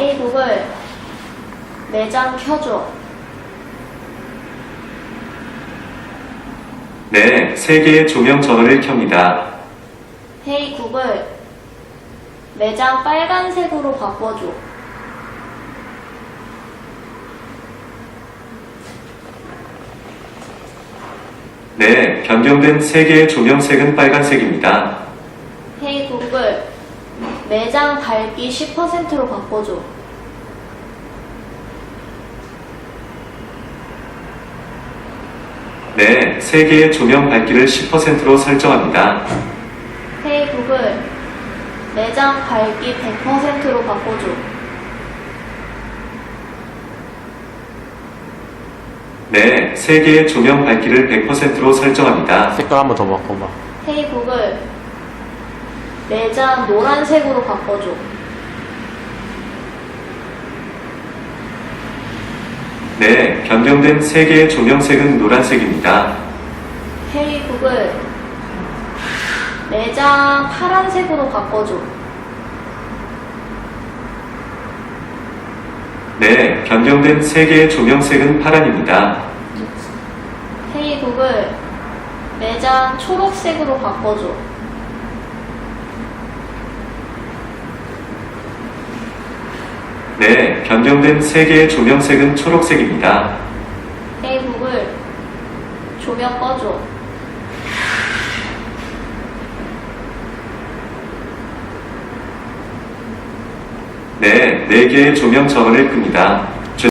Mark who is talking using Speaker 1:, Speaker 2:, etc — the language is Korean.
Speaker 1: 헤이 구글, 매장 켜줘.
Speaker 2: 네, 3개의 조명 전원을 켭니다.
Speaker 1: 헤이 구글, 매장 빨간색으로 바꿔줘.
Speaker 2: 네, 변경된 3개의 조명색은 빨간색입니다.
Speaker 1: 헤이 구글, 매장 밝기 10%로 바꿔줘.
Speaker 2: 네, 3개의 조명 밝기를 10%로 설정합니다.
Speaker 1: 헤이 구글, 매장 밝기 100%로 바꿔줘.
Speaker 2: 네, 3개의 조명 밝기를 100%로 설정합니다.
Speaker 3: 색깔 한번 더 바꿔봐.
Speaker 1: 헤이 구글, 매장 노란색으로 바꿔줘.
Speaker 2: 네, 변경된 3개의 조명색은 노란색입니다.
Speaker 1: 헤이 구글, 매장 파란색으로 바꿔줘.
Speaker 2: 네, 변경된 3개의 조명색은 파란입니다.
Speaker 1: 헤이 구글, 매장 초록색으로 바꿔줘.
Speaker 2: 네, 변경된 3개의 조명색은 초록색입니다.
Speaker 1: 헤이 구글, 조명 꺼줘.
Speaker 2: 네, 4개의 조명 전원을 끕니다.